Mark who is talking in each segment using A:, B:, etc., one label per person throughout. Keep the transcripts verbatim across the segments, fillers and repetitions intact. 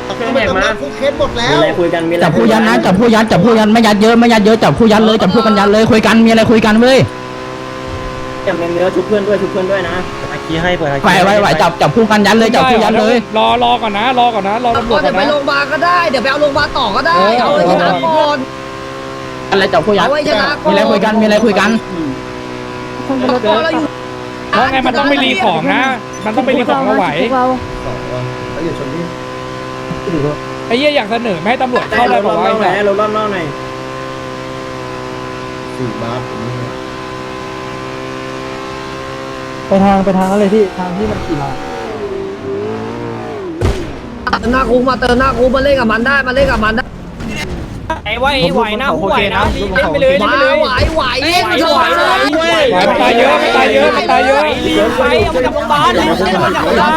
A: มันจะมาคุกเคสหมดแล้ว
B: มีอะไรคุยกันมีอะไร
C: จับผู้ยันนะจับผู้ยันจับผู้ยันไม่ยัดเยอะไม่ยัดเยอะจับผู้ยันเลยจับผู้กันยันเลยคุยกันมีอะไรคุยกันเว้ย
B: จับเนื้อชุบเพื่อนด้วยชุบเพื่อนด้วยนะ
D: อาคีให้เปิดอาคี
C: ไหวไหวไหวจับจับผู้กันยันเลยจับผู้ยันเลย
E: รอรอก่อนนะรอก่อนนะรอตำรวจก่อน
F: ไป
E: นะ
F: โรงพยาบาลก็ได้เดี๋ยวไปเอาโรงพยาบาลต่อก็ได้เอาไว้ชนะก่อน
C: อะไรจับผู้ยัน
F: เอาไว้ชนะก่อน
C: มีอะไรคุยกันมีอะไรคุยกัน
F: พอเราอยู่
E: เพราะไงมันต้องไปรีของนะ มันต้องไปรีของมาไหว
A: เขาอยู่ชนที่
E: ไอ้เหี้ยอยากเสนอไม่ให้ตำรวจเข้าเลยบอกว่า
B: ไหนรถรอบนอกหน่อย
A: สี่บาท
D: ไปทางไปทางอะไรที่ทางที่มันขี่มา
F: เติมหน้าคุกมาเติมหน้าคุกมาเล่นกับมันได้มาเล่นกับมันได้
B: ไอ้ไหวไหวนะไหวนะเล่นไปเลยเล่นไปเลย
F: ไหวไหวเล่นไหวไหว
E: ไหวมันตายเยอะมันตายเยอะมันตายเยอะ
B: รีบไปเอามาจากโรงพยาบาลเล่นมาจากโรงพยาบาล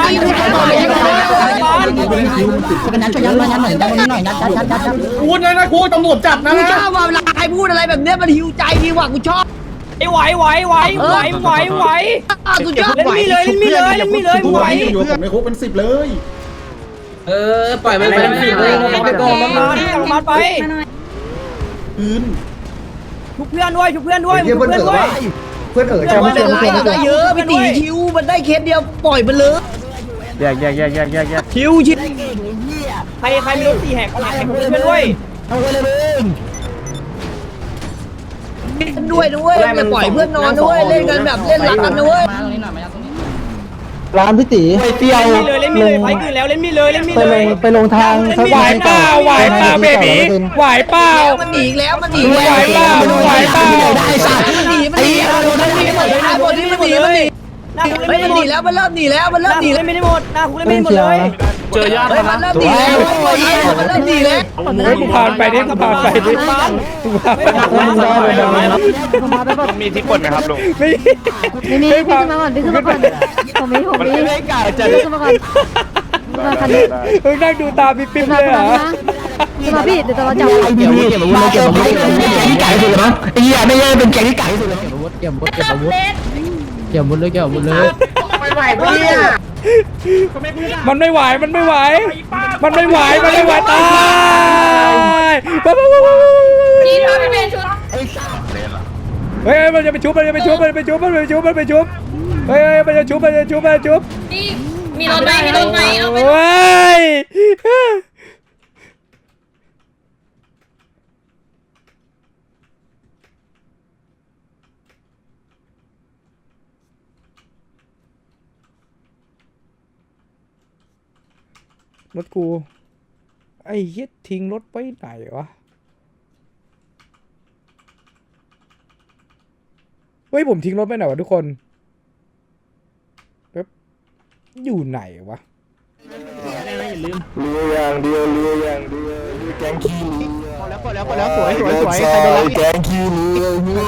C: กันยันช่วยยันมายันหน่อยยันหน่อยยันยันยันยันยัน
A: พูดนะนะครูตำรวจจับนะ
F: กูชอบว่าเวลาใครพูดอะไรแบบเนี้ยมันหิวใจดีว่ะกูชอบ
B: ไอ้ไหวไหวไหวไหวไหวไหว
F: กูชอบ
B: เล่นมีเลยเล่นมีเลยเล่นมีเลยไหว
A: อยู่ผมในคุกเป็นสิบเลย
B: เออปล่อยมันไปสิเลยไปก่อนมันมาที่โรงพยาบาลไป
A: คืน
B: ชุบเพื่อนด้วยชุบเพื่อนด้วย
A: เพื่อนเอ๋ยเพื่อนเอ๋ย
F: แต่มันเป็นไรได้เยอะพี่ตีชิวมันได้เคสเดียวปล่อยมันเลย
D: แยกแยกแยกแยกแยกแยก
F: ชิวชิว
B: ใครใครมีรถสี่แหกแหกเพื่อนด้วย
F: ด้วยด้วยอย่าปล่อยเพื่อนนอนด้วยเล่นกันแบบเล่นหลักกันด้วย
C: มาตรงนี้หน่อยมาตรงนี้
D: ร้านพี่ตีไปเที่ยว
B: เล่นมีเลยเล่นมีเลยไฟคืนแล้วเล่นมีเลยเล่นมี
D: ไป
B: เล
D: ล
B: ย
D: งไปลงทาง
E: ไหวเปล่าไหวเปล่าเบบีไหวเปล่า
F: มันหนีแล้วมันหนี
E: ไหวเปล่าไหวเปล่า
C: ได้สัตว์
F: มันหนีมันหนีมันหนีมันหนีมันหนีมันหนีมันหนี
B: หน้าคุก
F: เฮ้
B: เล่
F: ย
B: น
F: มัน
B: ไม่
F: ห
B: หมด
F: นีแล้วมันเริ่มหนีแล้วมัน
B: ห
F: เริ่
B: น้าม
F: ห
B: คุ
F: นี
B: ก
F: แล้
B: เล่
F: วน
B: ไม่ได้หมดหน้าคุกเล่นไม่ได้หมดเลย
F: เจอยากมันเริ่มหนีแล้วมันเริ่มหนีแล้ว
E: เฮ้ยกูผ่านไปดิกูผ่านไปดิกูผ่านไป
G: มีที่กดไหมครับลุง
E: ไม่
H: ไม่มีพี่ขึ้นมาก่อนพี่ขึ้นมาก่อนผมมีผมมีไม่กล้าจะขึ้นมาก่อนมาคันนี้
E: มึงนั่งดูตาปิ๊บปิ๊บเลยเหรอ
H: ขึ้นมาพี่เดี๋ยวเราจับ
C: ไอ้พี่เก็บอาวุธเลยเก็บอาวุธเก็บอาวุธแกงที่ไก่สุดเลยมั้งไอ้เหี้ยไม่ใช่เป็นแกงที่ไก่สุดเลยเก็บอาวุธเก็บอาวุธเก็บอาวุธเก็บอาวุธเลยเก็บอาวุธเลย
A: ไม่ไหวพี่อ่ะ
E: มันไม่ไหวมันไม่ไหว มันไม่ไหวมันไม่ไหวตายนี่เราไปเป็นชุดเฮ้ยมันจะไปชุบมันจะไปชุบมันจะไปชุบมันจะไปชุบมันไปชุบเฮ้ยมันจะชุบมันจะชุบมันจะชุบ
H: มีรถไหมมีรถไหมเอาไป
E: เฮ้ยรถกูไอ้เหี้ยทิ้งรถไว้ไหนวะเฮ้ยผมทิ้งรถไปไหนวะทุกคนแบบอยู่ไหนวะ
D: เรืออย่างเดียวเรืออย่างเดียวแกงขี้เรือพอแล้วพอแล้วพอแล้วสวยสวยสวยใครโดนแกงขี้เรือ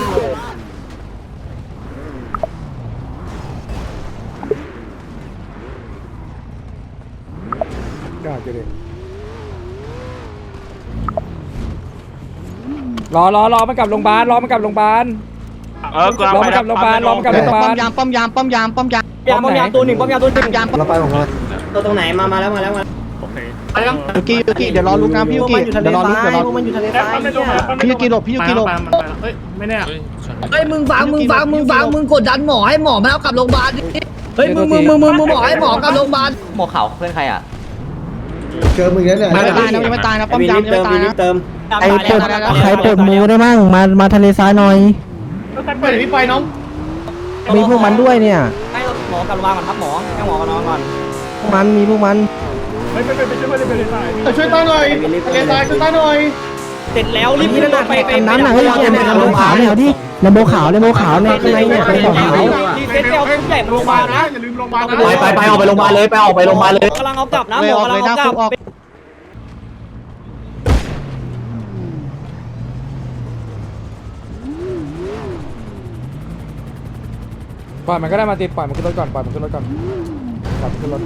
E: ยอดเลยรอรอรอมันกลับโรงพยาบาลรอมันกลับโรงพยาบาล
G: เออก
E: รอมันกลับโรงพยาบาลรอมันกลับโรงพยาบาล
D: ป้อมยามป้อมยามป้อมยามป้อมยาม
B: ยามยามตัวหนึ่งป้อมยามตัวหนึ่งยาม
D: เราไปของเรา
B: ตัวตรงไหนมามาแล้วมาแล้วมา
D: ยูกิยูกิเดี๋ยวรอลุกนะพี่ยูกิเดี๋ยวรอลุกเดี๋ยวรอ
B: มันอยู่ทะเลทราย
D: พี่ยูกิหลบพี่ยูกิหลบ
A: เฮ้ยไม่แน่
F: เฮ้ยมึงฟังมึงฟังมึงฟังมึงกดดันหมอให้หมอมาเอากลับโรงพยาบาลดิเฮ้ยมึงมึงมึงมึงมึงหมอให้หมอกลับโรงพยาบาล
B: หมวกขาวเพื่อนใครอ่ะ
A: เจอมึงแล้วเนี่ย
D: ไม่ตายนะยังไม่ตายนะป้อมยามยังไม่ตายนะ
B: เติม
D: ใครเปิดใครเปิดมูได้มั่งมามาทะเลทรายหน่อย
A: ไปไหนพี่ไปน้อง
D: มีพวกมันด้วยเนี่ย
B: ให้หมอกลับโรงพยาบาลก่อนครับหมอให้หมอกลับนอนก่อน
D: พวกมันมีพวกมัน
A: ช่วยต้าหน่อยเลนตายช่วยต้าหน่อย
B: เสร็จแล้วรีบขึ้นรถไปไป
D: น้ำหนักให้เราเป็นลำโบขาวเนี่ยดิลำโบขาวลำโบขาวเนี่ยข้างในเนี่ยเป็นขาว
B: รีเซ็ตไปเอาทุกใหญ่โรงพยาบาลนะ
A: อย่าลืมโรงพยาบาล
C: ไปไปไปออกไปโรงพยาบาลเลยไปออกไปโรงพยาบาลเลย
B: กำลังเอากลับนะหมอกำลังเอากลับ
E: ปล่อยมันก็ได้มาติดปล่อยมันขึ้นรถก่อนปล่อยมันขึ้นรถก่อนปล่อยมันขึ้นรถ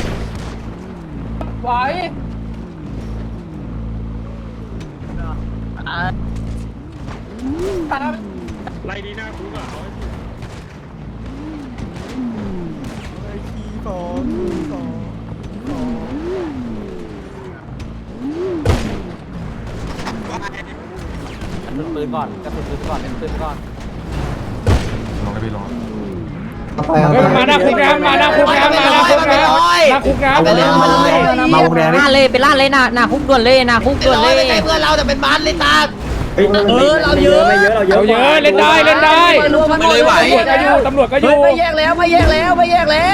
F: ไหว
G: ไล่ดีหน้าคุกอ่ะ
B: ปืนก่อนกระสุนปืนก่อนเล่นปืนก่อน
E: เฮ้ยมาหน้าคุกนะมาหน้าคุกนะมาหน้าคุกนะหน้าคุกนะ
F: ไปเลยมาเลย
C: มาวงแดง
H: หน้าเลยไปล่าเลยหน้าหน้าคุกด่วนเลยหน้าคุกด่วนเลย
F: ไม่ใช่เพื่อนเราแต่เป็นบ้านเลยตาเออเราเยอะ
E: เราเยอะเล่นได้เล่นได้
F: รวมมันเลยไหว
E: ตำรวจก็อยู่ตำรวจก็อยู่
F: ไม่แยกแล้วไม่แยกแล้วไม่แยกแล้ว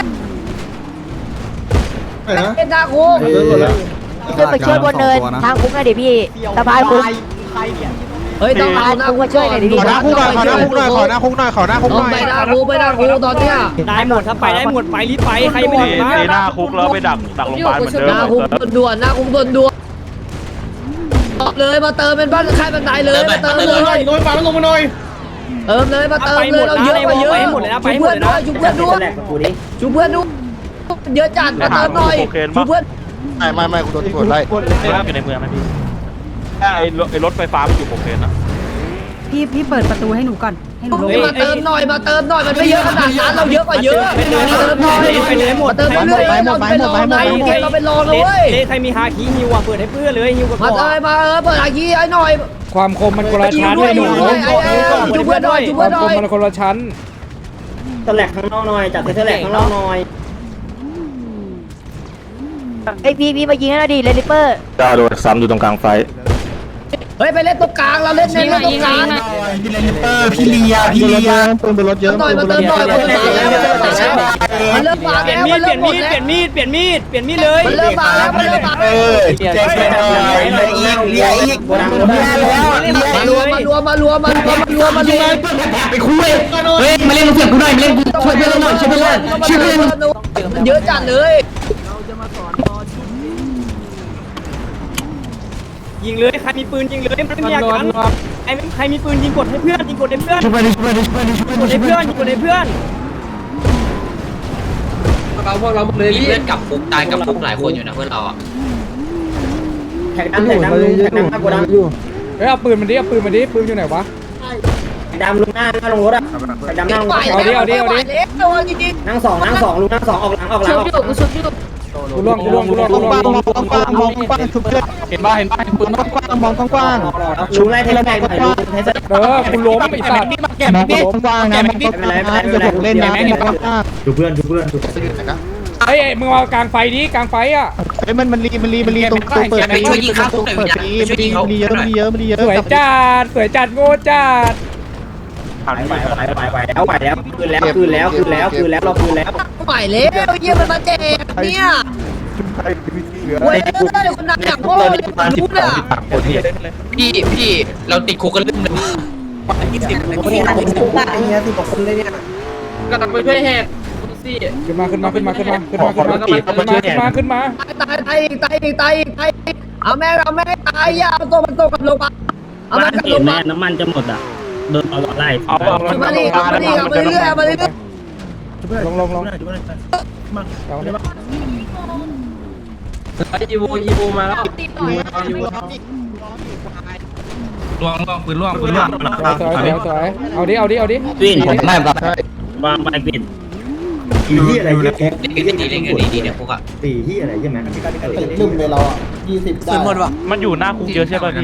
F: เป็นนาคุก
H: ช่วยไปช่วยบนเนินทางคุกหน่อยดิพี่สะพายคุก
F: เฮ้ยต้องเอาหน้าคุกช่วยหน่อยดิ
D: ขอหน้าคุกหน่อยขอหน้าคุกหน่อยขอหน้าคุกหน่อยขอหน้าคุกห
F: ต้อง
D: น่อย
F: ไปหน้าคุกไปหน้าคุกตอนเนี้ย
B: ได้หมดถ้าไปได้หมดไปรีบไปใครไม่
G: ตี
B: ได้
G: ตีหน้าคุกแล้วไปดักดักโรงพยาบาลเหมือนเดิ
F: ห
G: ม
F: น้าคุกด่วนหน้าคุกด่วนด่วนเลยมาเติมเป็นบ้านค่ายบันไดเลยมาเติมเลย
A: หน่อยลงมาแล้วลงมาหน่อย
F: เติมเลยมาเติมเลยเราเยอะไปเยอะชุบเพื่อนด้วยชุบเพื่อนด้วยชุบเพื่อนด้วยเยอะจัดมาเติมหน่อยชุบเพื่อน
D: ไม่ไม่ไม่กูโดนตำรวจไล่
G: อยู่ในเมืองนะพี่ไอ้รถไอ้รถไฟฟ้ามันอยู่โอเคนะ
H: พี่พี่เปิดประตูให้หนูก่อนให้หนูลง
F: มาเติมหน่อยมาเติมหน่อยมันไม่เยอะขนาดนั้นเราเยอะกว่าเยอะมาเติมหน่อย
B: ไปเลยหมด
F: มาเติมเรื่อยๆเราเป็นรองนะเกมเราเป็นรองนะเว้ย
B: ใครมีฮาคิฮิวอ่ะเปิดให้เพื่อนเลยฮิวกับ
F: มาเติมมาเออเปิดอาคีไอ้หน่อย
E: ความคมมันคนละชั้นเลยหนู
F: ชุบเพื่อนหน่อยชุบ
E: ค
F: เพื่
E: วา
F: อน
E: ม
F: ห
E: ค
F: น่อย
E: มมันคนละชั้น
B: ตะแหลกข้างนอกหน่อยจัดตะแหลกข้างนอกหน่อย
H: ไอพี่พี่มายิงให้หน่อยดิเลนิเปอร์
G: ดาวโดนซ้ำอยู่ตรงกลางไฟ
F: เฮ้ยไปเล่นตรงกลางเราเล่นเน้นเล่นตรงกลาง
C: พี่เลนเปอร์พี่เลียพี่เลีย
D: ปืนบนรถเยอะ
F: หน่อยมาเติมหน่อยมาเติมหน่อยมันเริ่มมา
B: เปลี่ย
F: แล้ว
B: นมี
F: มัน
B: ดเป
F: เริ่
B: ลี่
F: ม
B: ยน
F: หมดแล้ว
B: มีดเปลี่ยนมีดเปลี่ยนมีดเปลี่ยนมีดเลย
F: มันเริ่มมาแล้วมันเริ่มมา
C: เออแจ็คเป็นอะไรเลียอีกเลียอีกเลียแล้วเลีย
F: มารวมมารวมมารวมมารวมมารวมมารวม
C: ไปคุยเฮ้ยมาเล่นเสียงกูหน่อยมาเล่นช่วยเพื่อนหน่อยช่วยเพื่อนช่วยเพื่อน
F: เยอะจัดเลย
B: ยิงเลยใครมีปืนยิงเลยไม่มีอาการไอ้ใครมีปืนยิงกดให้เพื่อนยิงกดให้เพื่อน
C: ช่วยเพื่อนช่วยเพื่อนช่วยเพื่อนช่วย
B: กดให้
C: เพื่
B: เพื่
C: อ
B: อน นยิงกดให้เพื่อน
I: เราพวกเราเลยเล่นกับคุกตายกับคุกหลายคนอยู่นะเพื่อนเราอ่ะ
B: แท็กดำแท็กดำลุงแท็กดำหน้าโกดัง
E: เฮ้ยเอาปืนมันดิเอาปืนมันดิปืนอยู่ไหนวะ
B: แท็กดำลุงหน้าหน้าลงรถอ่ะแท็กดำหน้าลงรถ นั่งสองนั่งสองลุงนั่งสองออกหลังออกหลังออก
E: กูล่วงกูล่วงกูล่วงกูล่วง
D: มองกว้างมองกว้างชุบเพื่อนเห็นป่ะเห็นป่ะปืนมองกว้างมองกว้าง
B: ลุงไล่เทเลแม็กหน่อยลุงเทเล
E: เออกูล้มไอ้สัตว์
D: มองกว้างนะมองกว้างจะถูกเล่นนะมองกว้าง
B: ดูเพื่อนดูเพื่อนดู
E: ไอ้มึงมากลางไฟดิกลางไฟอ่ะ
D: เฮ้ยมันมันรีมันรีมันรีตรงตรงเปิดปีเปิดปีมันรีมันรีเยอะมันรีเยอะมันรีเยอะ
E: สวยจัดสวยจัดโง่จัด
G: ผ่าน
B: ไป
G: ไป
B: ไปไปไปแล้วไปแล้วคืนแล้วคืนแล้วคืนแล้วคืนแล้วเราคืนแล้ว
F: ใหม่แล้วเยี่ยมันมาแจกเนี่ยเว้ยคนหนักอย่างพ่อเนี่ยรู้เนี่ย
I: พี่พี่เราติดคุกกันเรื่องนึง
B: กำลังไปช่วยแหกสิ
E: ขึ้นมาขึ้นมาขึ้นมาขึ้นมาขึ้นมาขึ้นมาขึ้นมาขึ้นมาขึ้นมา
F: ตายตายตายตายตายเอาแม่เอาแม่ตายอย่าเอาตัวมันตัวกับลงมาเอามันกับลงมา
B: น้ำมันจะหมดอ่ะโดนเอาไล่
G: เอาเอา
F: เอามาดิเอามาดิเอามาเรื่อยเอามาเรื่อย
E: ลงลงลงเอา
B: อีโวอีโวมาแล้ว
I: ล่วงล่วงปืนล่วงปืนล่วง
E: สวยสวยสวยเอาดิเอาดิเอาดิ
C: วิ่งผมไม่แบบ
B: วางไปปิด
I: เล่นกันดีเล่นกันดีดีเนี่ยพวกอ่ะ
A: ลืมเลยเราอ่ะยี่สิบได้
G: มันอยู่หน้าคุกเยอะใช่ป่ะพี่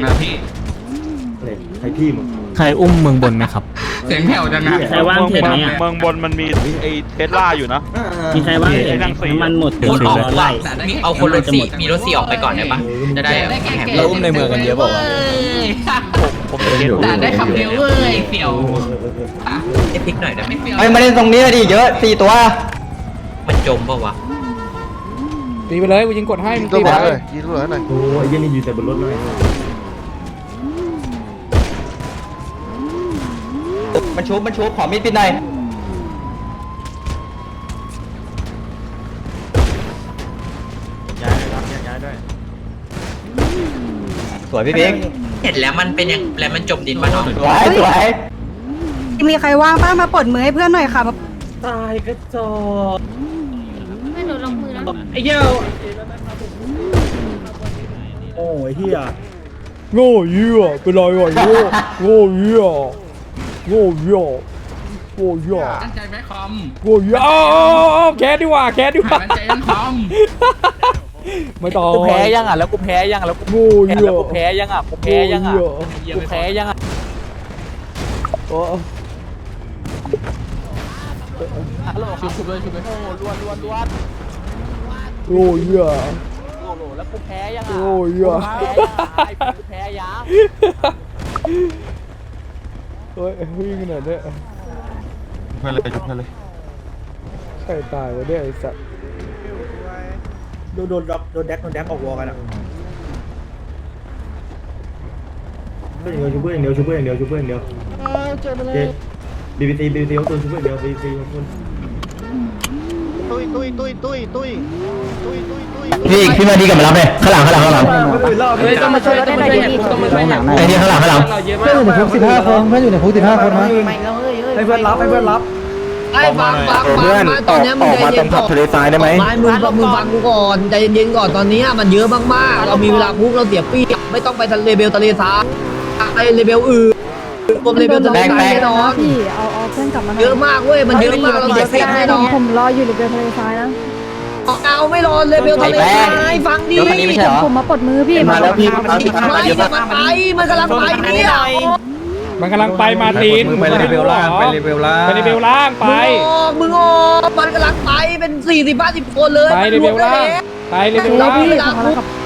C: ใครอุ้มเมืองบนไหมครับ
I: เสียงแผ่วจังนะ
B: ใครว่างเห็นไหมอ่ะ
G: เมืองบนมันมีไอ้เทสลาอยู่นะ
B: มีใครว่างเห็นน้ำมันหมด
I: คนออกว่าเอาคนรถสี่มีรถสี่ออกไปก่อนได้ปะจะได้แข่ง
C: เราอุ้มในเมืองกันเยอะเปล่าวะ
G: ผมจะเก็ต
I: แต่ได้ขับเร็วเว้ยเปี่ยวไอ้พลิกหน่อยได้ไหม
C: เฮ้ยมาเล่นตรงนี้ดิเยอะสี่ตัว
I: มันจมป่าวะ
E: ตีไปเลยกูยิงกดให้มึง
D: ตัว
E: ตี
D: บ
E: ไป
D: อลเลยยิงตัวหน่อย
B: โอ้ยยังอยู่แต่บนรถเลย
C: มันชุบมันชุบขอมีดปิดหน่อย
G: ย้ายเลยครับย้ายด้วย
C: ส
D: วยพี่บิ๊ก
I: เห็นแล้วมันเป็นยังแล้วมันจมดินมาเนาะ
D: สวยสวย
H: มีใครว่างป้ามาปลดมือให้เพื่อนหน่อยค่ะ
B: ตายกระจอก
H: ไม่หนูลงมือแล้ว
B: ไอ้เหี้ยโอ้ยเหี้ย
E: โง่เหี้ยเป็นไรวะโง่โง่เหี้ยโง่เหี้ยโง่เหี้ย
I: ตั้งใจไหมคอม
E: โง่เหี้ยอ้าวแคสดีกว่าแคสดีกว่า
I: ตั้งใจยังคอม
E: ไม่ต้อง
D: กูแพ้ยังอ่ะแล้วกูแพ้ยังแล้วกู
E: โง่เหี้ย
D: แล้วกูแพ้ยังอ่ะกูแพ้ยังอ่ะกูแพ้ยังอ่ะ
E: โอ้
D: ฮัลโหลชุบชุบเลยชุบเลยโอ้ล้วนล้วนล้วน
E: โง่เหี้ย
D: โอ้โหแล้วกูแพ้ยังอ่ะ
E: โง่เหี้ย
D: กูแพ้ยัง
E: เฮ้ยวิ่งขนาดนี้
G: เพื่อนเลยจุดเพื่อนเลย
E: ใครตายวะเนี่ยไอ้สัตว์
B: โดนโดนด็อกโดนแดกโดนแดกออกวอกันอ่ะเพื่อนอย่างเดียวชุบเพื่อนอย่างเดียวชุบเพื่อนอย่างเดียวชุบเพื่อนอย่างเดียวบีบีซีบีบีซีเขาตัวชุบเพื่อนอย่างเดียวบีบีซีเขาคน
D: ตุ้ยตุ้ยตุ้ยตุ้ยตุ้ยตุ้ยตุ้ยตุ้ย
C: พี่พี่มาดีกับมารับเลยข้างหลังข้างหลังข้างหลัง
F: เฮ้ยต้องมาช่วยต้องมาช่วยต้องมาช่วย
C: ไอ้นี่ข้างหลังข้างหลัง
F: เพื่อนอยู่ในคุกสิบห้าคนเพื่อนอยู่ในคุกสิบห้าคนนะ
A: ให้เพื่อนรับให้เพื่อนรับ
F: ไอ้ฟังฟังฟังมาตอนนี้มึงใจเย็นก่อนไม่มึงมึงฟังกูก่อนใจเย็นๆก่อนตอนนี้มันเยอะมากๆเรามีเวลาคุกเราเสียปีไม่ต้องไปทะเลเบลทะเลทรายไอเลเบลอื่นรวมเลเบลทะเลทรายแน่นอน
H: พี่เอาเอาเพื่อนกลับมา
F: เยอะมากเว้ยมันเยอะมากเราเสียเปียแน่นอน
H: ผมรออยู่ในเบลทะเลทรายนะ
F: เอาไม่รอเลเบลทะเลทรายฟังดิ
H: ผมมาปลดมือพี่
D: มาแล้วพี่มา
F: ไม่มันไปมันกำลังไปเนี่ย
E: มันกำลังไปมาตีน
G: ไปเลเวลล่างไปเลเวลล่าง
E: ไปเลเวลล่างไป
F: มึงออกมึงออกมันกำลังไปเป็นสี่สิบห้าสิบคนเลย
E: ไปเลเวลล่างไปเลเวลล่าง
H: พี่ผมมาแล้วครับ